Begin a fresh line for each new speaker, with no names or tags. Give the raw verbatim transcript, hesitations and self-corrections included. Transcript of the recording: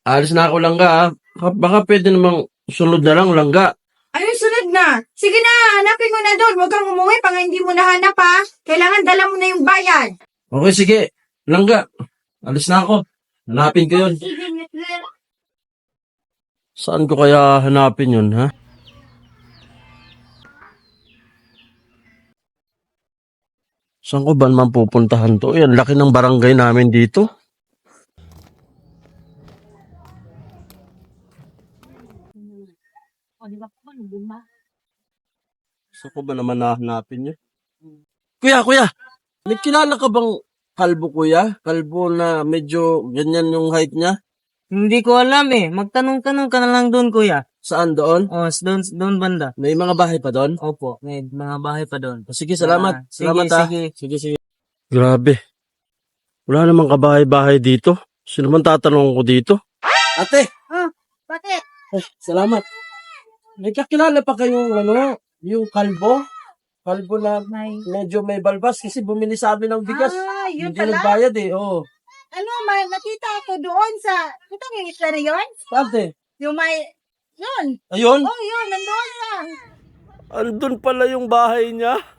Alis na ako langga ah. Baka baka pwede namang sunod na lang langga.
Ayun, sunod na. Sige na, hanapin mo na doon. Huwag kang umuwi pang hindi mo nahanap ha. Kailangan dala mo na yung bayad.
Okay, sige. Langga. Alis na ako. Hanapin ko yun. Saan ko kaya hanapin yun, ha? Saan ko ba naman pupuntahan to? Yan, laki ng barangay namin dito. Saan ko ba naman nahanapin yun? Kuya, kuya! May kilala ka bang kalbo, kuya? Kalbo na medyo ganyan yung height niya?
Hindi ko alam eh. Magtanong-tanong ka na lang doon, kuya.
Saan doon?
O, doon, doon banda.
May mga bahay pa doon?
Opo, may mga bahay pa doon.
Sige, salamat.
Ah, sige,
salamat ha.
sige.
Sige, sige. Grabe. Wala namang kabahay-bahay dito. Sino man tatanong ko dito? Ate!
Ah, bakit?
Eh, salamat. May kakilala pa kayong ano, yung kalbo? Kalbo na
May...
medyo may balbas kasi bumili sa amin ng bigas.
Ah, yun
Hindi
pala.
nagbayad eh, oo.
Ano, may nakita ako doon sa... Ito yung isla na yun?
Ate,
Yung may... Yun.
ayun.
Oh, yun. Nandoon lang.
Andun pala yung bahay niya.